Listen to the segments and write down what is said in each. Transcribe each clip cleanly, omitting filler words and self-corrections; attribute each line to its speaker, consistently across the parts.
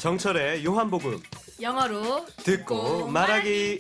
Speaker 1: 정철의 요한복음
Speaker 2: 영어로
Speaker 1: 듣고 말하기.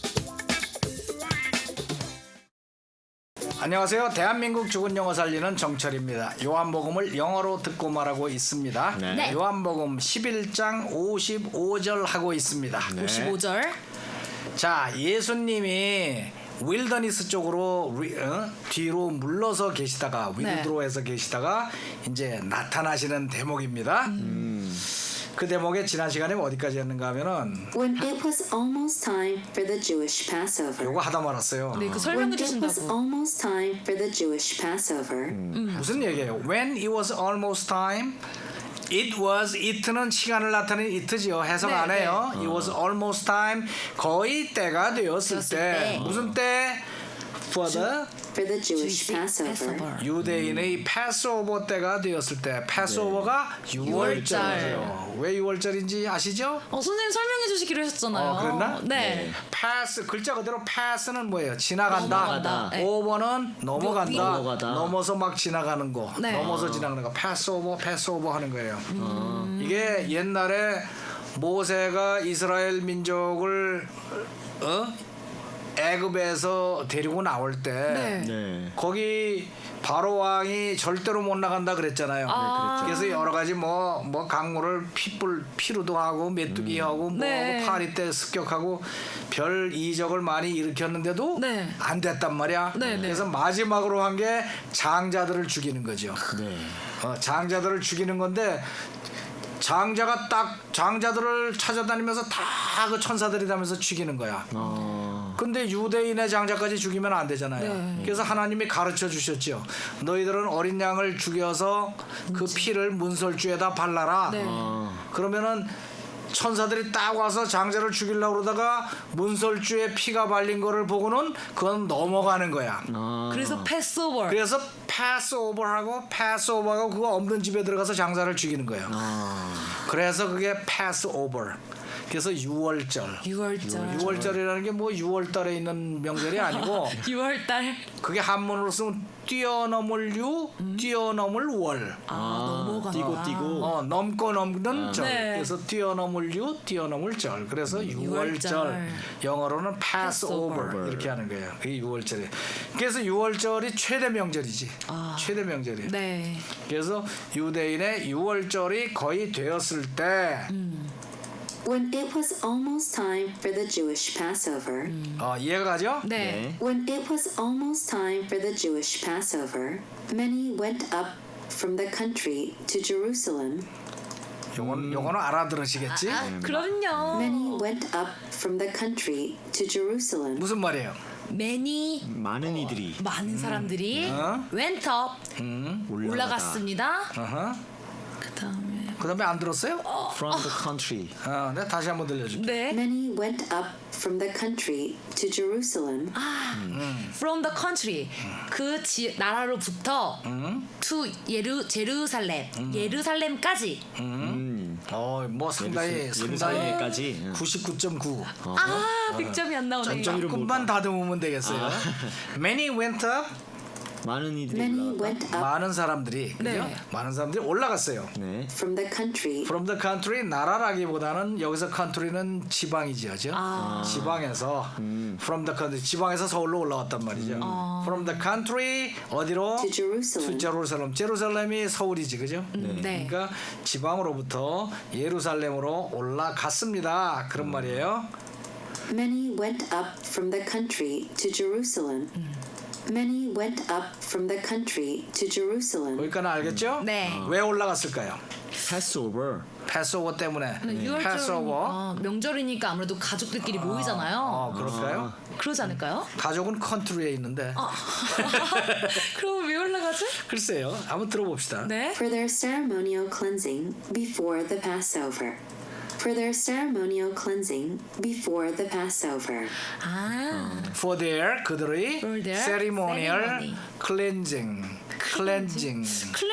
Speaker 3: 안녕하세요. 대한민국 죽은 영어 살리는 정철입니다. 요한복음을 영어로 듣고 말하고 있습니다.
Speaker 2: 네.
Speaker 3: 요한복음 11장 55절 하고 있습니다.
Speaker 2: 55절.
Speaker 3: 자, 예수님이 윌더니스 쪽으로 뒤로 물러서 계시다가 윌드로에서 계시다가 이제 나타나시는 대목입니다. 그 대목에 지난 시간에 어디까지 했는가 하면은
Speaker 4: When it was almost time for the Jewish Passover.
Speaker 3: 요거 하다 말았어요.
Speaker 2: 네, 그
Speaker 4: When
Speaker 2: 설명해
Speaker 4: it was
Speaker 2: 주신다고.
Speaker 4: almost time for the Jewish Passover.
Speaker 3: 무슨 얘기예요? When it was almost time, it was it는 시간을 나타내는 it지요. 해석
Speaker 2: 네,
Speaker 3: 안 해요. It was almost time, 거의 때가 되었을
Speaker 2: 되었을
Speaker 3: 때.
Speaker 2: 때.
Speaker 3: 무슨 때? For the
Speaker 4: For the Jewish Passover.
Speaker 3: 유대인의 패스오버 때가 되었을 때. 패스오버가 6월절이죠. 왜 6월절인지 아시죠?
Speaker 2: 선생님 설명해 주시기로 하셨잖아요.
Speaker 3: 그랬나?
Speaker 2: 네.
Speaker 3: 패스 글자 그대로 패스는 뭐예요? 지나간다.
Speaker 2: 넘어간다. 네.
Speaker 3: 오버는 넘어간다.
Speaker 5: 넘어가다.
Speaker 3: 넘어서 막 지나가는 거.
Speaker 2: 네.
Speaker 3: 넘어서 지나가는 거. 패스오버 하는 거예요. 이게 옛날에 모세가 이스라엘 민족을 애굽에서 데리고 나올 때
Speaker 2: 네.
Speaker 5: 네.
Speaker 3: 거기 바로 왕이 절대로 못 나간다 그랬잖아요. 그래서 여러 가지 뭐 강물을 피로도 하고 메뚜기 하고 뭐
Speaker 2: 네.
Speaker 3: 하고 파리 때 습격하고 별 이적을 많이 일으켰는데도
Speaker 2: 네.
Speaker 3: 안 됐단 말이야.
Speaker 2: 네, 네.
Speaker 3: 그래서 마지막으로 한 게 장자들을 죽이는 거죠.
Speaker 5: 네.
Speaker 3: 장자들을 죽이는 건데 장자들을 찾아다니면서 다 그 천사들이 다면서 죽이는 거야. 근데 유대인의 장자까지 죽이면 안 되잖아요.
Speaker 2: 네.
Speaker 3: 그래서 하나님이 가르쳐 주셨죠. 너희들은 어린 양을 죽여서 그 피를 문설주에다 발라라.
Speaker 2: 네.
Speaker 3: 그러면은 천사들이 딱 와서 장자를 죽이려고 그러다가 문설주에 피가 발린 거를 보고는 그건 넘어가는 거야.
Speaker 2: 그래서 패스오버.
Speaker 3: 그래서 패스오버하고 그거 없는 집에 들어가서 장자를 죽이는 거예요. 그래서 그게 패스오버. 그래서 6월절.
Speaker 2: 6월절.
Speaker 3: 6월절이라는 게 뭐 6월달에 있는 명절이 아니고
Speaker 2: 6월달.
Speaker 3: 그게 한문으로 쓰면 뛰어넘을 뛰어넘을 월.
Speaker 2: 넘어간다.
Speaker 5: 뛰고
Speaker 3: 넘고 넘는 절.
Speaker 2: 네.
Speaker 3: 그래서 뛰어넘을 뛰어넘을 절. 그래서 6월절. 영어로는 Passover 이렇게 하는 거예요. 그게 6월절이. 그래서 6월절이 최대 명절이지. 최대 명절이에요.
Speaker 2: 네.
Speaker 3: 그래서 유대인의 6월절이 거의 되었을 때
Speaker 4: When it was almost time for the Jewish Passover.
Speaker 3: 이해가 가죠?
Speaker 2: 네.
Speaker 4: When it was almost time for the Jewish Passover, many went up from the country to Jerusalem.
Speaker 3: 요거는 알아들으시겠지?
Speaker 2: 그럼요.
Speaker 4: Many went up from the country to Jerusalem.
Speaker 3: 무슨 말이에요?
Speaker 2: many
Speaker 5: 많은 이들이
Speaker 2: 많은 사람들이 went up 올라갔습니다.
Speaker 3: 그다음에 안 들었어요?
Speaker 5: from the country.
Speaker 3: 내가 다시 한번 들려줄게.
Speaker 2: 네.
Speaker 4: Many went up from the country to Jerusalem.
Speaker 2: From the country. 그 나라로부터 to 제루살렘. 예루살렘까지.
Speaker 3: 뭐 상당히
Speaker 5: 예루살렘까지
Speaker 3: 99.9.
Speaker 2: 100점이 안 나오네.
Speaker 3: 조금만 다듬으면 되겠어요. Many went up.
Speaker 5: 많은 이들이
Speaker 4: Many
Speaker 5: 올라갔다.
Speaker 4: went up
Speaker 3: 많은 사람들이 그죠?
Speaker 2: 네.
Speaker 3: 많은 사람들이 올라갔어요.
Speaker 5: 네.
Speaker 4: from the country
Speaker 3: From the country 나라라기보다는 여기서 country는 지방이죠, 그죠? 지방에서 from the country 지방에서 서울로 올라왔단 말이죠. From the country 어디로?
Speaker 4: to Jerusalem.
Speaker 3: 제루살렘. 제루살렘이 서울이지, 그죠?
Speaker 2: 네.
Speaker 3: 그러니까 지방으로부터 예루살렘으로 올라갔습니다. 그런 말이에요.
Speaker 4: Many went up from the country to Jerusalem. Many went up from the country to Jerusalem.
Speaker 3: 거기까지 알겠죠?
Speaker 2: 네.
Speaker 3: 왜 올라갔을까요?
Speaker 5: Passover.
Speaker 3: 패스오버 때문에.
Speaker 2: 6월절
Speaker 3: 패스오버.
Speaker 2: 명절이니까 아무래도 가족들끼리 모이잖아요.
Speaker 3: 그럴까요?
Speaker 2: 그러지 않을까요?
Speaker 3: 가족은 컨트리에 있는데.
Speaker 2: 그럼 왜 올라가지?
Speaker 3: 글쎄요. 한번 들어봅시다.
Speaker 2: 네.
Speaker 4: For their ceremonial cleansing before the Passover. For their ceremonial cleansing before the Passover.
Speaker 3: For their 그들의
Speaker 2: For their
Speaker 3: ceremonial
Speaker 2: ceremony.
Speaker 3: cleansing.
Speaker 2: 클렌징.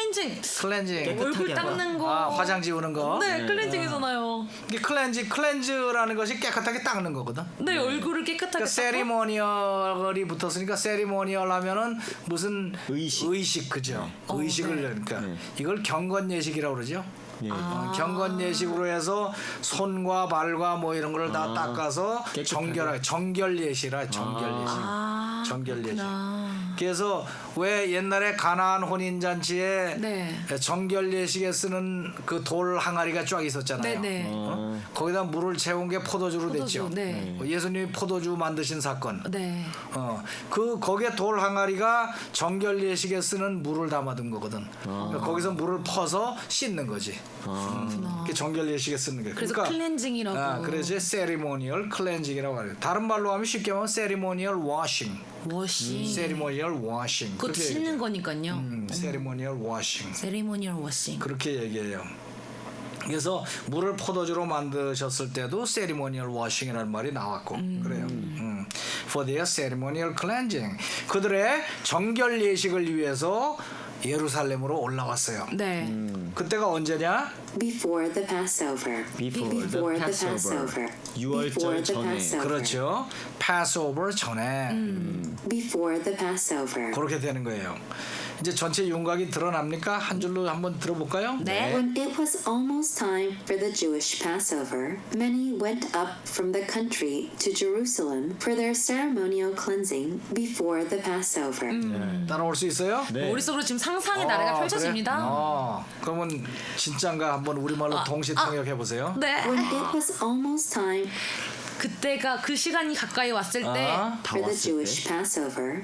Speaker 2: 얼굴 닦는 거.
Speaker 3: 화장 지우는 거.
Speaker 2: 네, 클렌징이잖아요.
Speaker 3: 이게 클렌즈라는 것이 깨끗하게 닦는 거거든.
Speaker 2: 네, 얼굴을 깨끗하게
Speaker 3: 그러니까 세리머니얼이 붙었으니까 세리머니얼 하면은 무슨
Speaker 5: 의식.
Speaker 3: 그죠? 의식을 그러니까 이걸 경건 예식이라고 그러죠.
Speaker 5: 예.
Speaker 3: 경건 예식으로 해서 손과 발과 뭐 이런 걸 다 닦아서
Speaker 5: 깨끗하게.
Speaker 3: 정결 예시라 정결 예식.
Speaker 2: 아,
Speaker 3: 정결 예식.
Speaker 2: 그렇구나.
Speaker 3: 그래서 왜 옛날에 가나안 혼인 잔치에
Speaker 2: 네.
Speaker 3: 정결 예식에 쓰는 그 돌 항아리가 쫙 있었잖아요.
Speaker 2: 네네.
Speaker 3: 거기다 물을 채운 게 포도주로 됐죠.
Speaker 2: 네.
Speaker 3: 예수님이 포도주 만드신 사건.
Speaker 2: 네.
Speaker 3: 거기에 돌 항아리가 정결 예식에 쓰는 물을 담아둔 거거든. 거기서 물을 퍼서 씻는 거지. 그게 정결 예식에 쓰는 거예요.
Speaker 2: 그래서
Speaker 3: 그러니까
Speaker 2: 클렌징이라고.
Speaker 3: 그래서 세리모니얼 클렌징이라고 하요. 다른 말로 하면 쉽게 하면 세리모니얼 워싱.
Speaker 2: 워싱.
Speaker 3: 세리모니얼 워싱.
Speaker 2: 그것도 씻는 거니까요.
Speaker 3: 세리모니얼 워싱.
Speaker 2: 세리모니얼 워싱.
Speaker 3: 그렇게 얘기해요. 그래서 물을 포도주로 만드셨을 때도 세리모니얼 워싱이라는 말이 나왔고 그래요. For their ceremonial cleansing. 그들의 정결 예식을 위해서 예루살렘으로 올라왔어요.
Speaker 2: 네.
Speaker 3: 그때가 언제냐?
Speaker 4: Before the Passover.
Speaker 5: Before the Passover. 유월절
Speaker 4: Before the
Speaker 5: 전에.
Speaker 4: Passover.
Speaker 3: 그렇죠. Passover 전에
Speaker 4: Before the Passover.
Speaker 3: 그렇게 되는 거예요. 이제 전체 윤곽이 드러납니까? 한 줄로 한번 들어볼까요?
Speaker 2: 네.
Speaker 4: When it was almost time for the Jewish Passover, many went up from the country to Jerusalem for their ceremonial cleansing before the Passover.
Speaker 3: 따라올 수 있어요?
Speaker 5: 네.
Speaker 2: 머릿속으로 지금 상상의 나래가 펼쳐집니다.
Speaker 3: 그래? 그러면 진짠가 한번 우리말로 동시 통역해 보세요.
Speaker 2: 네.
Speaker 4: When it was almost time
Speaker 2: 그때가 그 시간이 가까이 왔을 때
Speaker 5: 다
Speaker 4: for the
Speaker 5: 왔을
Speaker 4: Jewish
Speaker 5: 때.
Speaker 4: Passover,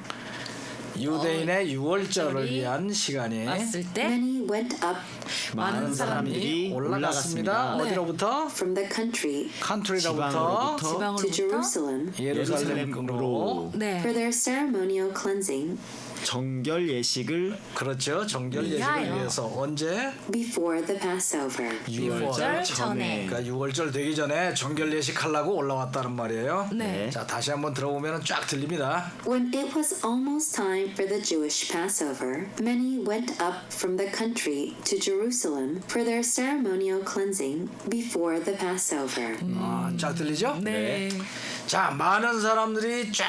Speaker 3: 유대인의 유월절을
Speaker 2: 절이
Speaker 3: 위한 시간이
Speaker 2: 왔을 때
Speaker 4: many went up
Speaker 5: 많은 사람들이
Speaker 3: 올라갔습니다.
Speaker 5: 올라갔습니다.
Speaker 3: 어디로부터?
Speaker 4: from the country
Speaker 3: 컨트리로부터
Speaker 4: to
Speaker 2: 지방으로부터
Speaker 4: Jerusalem
Speaker 3: 예루살렘으로
Speaker 2: 네.
Speaker 4: for their ceremonial cleansing
Speaker 5: 정결 예식을
Speaker 3: 그렇죠. 정결 예식을
Speaker 2: 위하여.
Speaker 3: 위해서 언제?
Speaker 4: before the Passover.
Speaker 5: 유월절 전에.
Speaker 3: 그러니까 6월절 되기 전에 정결 예식하려고 올라왔다는 말이에요.
Speaker 2: 네.
Speaker 3: 자, 다시 한번 들어보면 쫙 들립니다.
Speaker 4: When it was almost time for the Jewish Passover, many went up from the country to Jerusalem for their ceremonial cleansing before the Passover.
Speaker 3: 쫙 들리죠?
Speaker 2: 네.
Speaker 3: 자, 많은 사람들이 쫙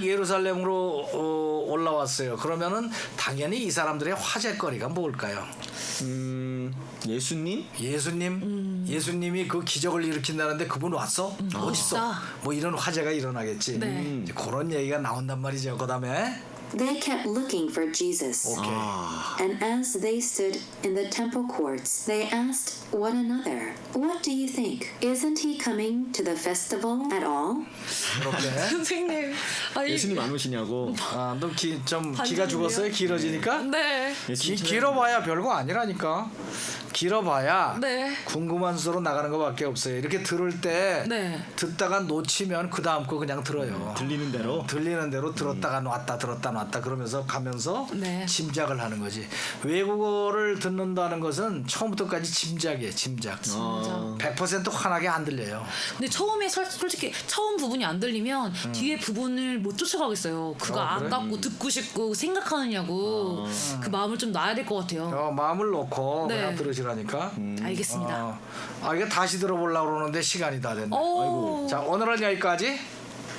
Speaker 3: 예루살렘으로 올라왔어요. 그러면은 당연히 이 사람들의 화제거리가 뭘까요?
Speaker 5: 예수님?
Speaker 3: 예수님이 그 기적을 일으킨다는데 그분 왔어? 어딨어?
Speaker 2: 멋있다.
Speaker 3: 뭐 이런 화제가 일어나겠지.
Speaker 2: 네.
Speaker 3: 이제 그런 얘기가 나온단 말이죠. 그다음에
Speaker 4: They kept looking for Jesus.
Speaker 3: 오케이.
Speaker 4: And as they stood in the temple courts, they asked one another, "What do you think? Isn't he coming to the festival at all?"
Speaker 3: 이렇게.
Speaker 2: 선생님. 아니,
Speaker 5: 예수님 안 오시냐고.
Speaker 3: 너 좀
Speaker 2: 반전이네요.
Speaker 3: 기가 죽었어요? 길어지니까?
Speaker 2: 네.
Speaker 3: 길어봐야 별거 아니라니까. 길어봐야
Speaker 2: 네.
Speaker 3: 궁금한 수로 나가는 것밖에 없어요. 이렇게 들을 때
Speaker 2: 네.
Speaker 3: 듣다가 놓치면 그 다음 거 그냥 들어요.
Speaker 5: 들리는 대로.
Speaker 3: 들리는 대로 들었다가 놨다 들었다 놨다 그러면서 가면서
Speaker 2: 네.
Speaker 3: 짐작을 하는 거지. 외국어를 듣는다는 것은 처음부터까지 짐작이에요. 짐작. 100% 환하게 안 들려요.
Speaker 2: 근데 처음에 솔직히 처음 부분이 안 들리면 뒤에 부분을 못 쫓아가겠어요. 그거
Speaker 3: 그래?
Speaker 2: 아깝고 듣고 싶고 생각하느냐고 그 마음을 좀 놔야 될 것 같아요.
Speaker 3: 마음을 놓고
Speaker 2: 네.
Speaker 3: 그냥 들으시라니까.
Speaker 2: 알겠습니다.
Speaker 3: 이게 다시 들어보려고 그러는데 시간이 다 됐네.
Speaker 2: 오.
Speaker 3: 자, 오늘은 여기까지.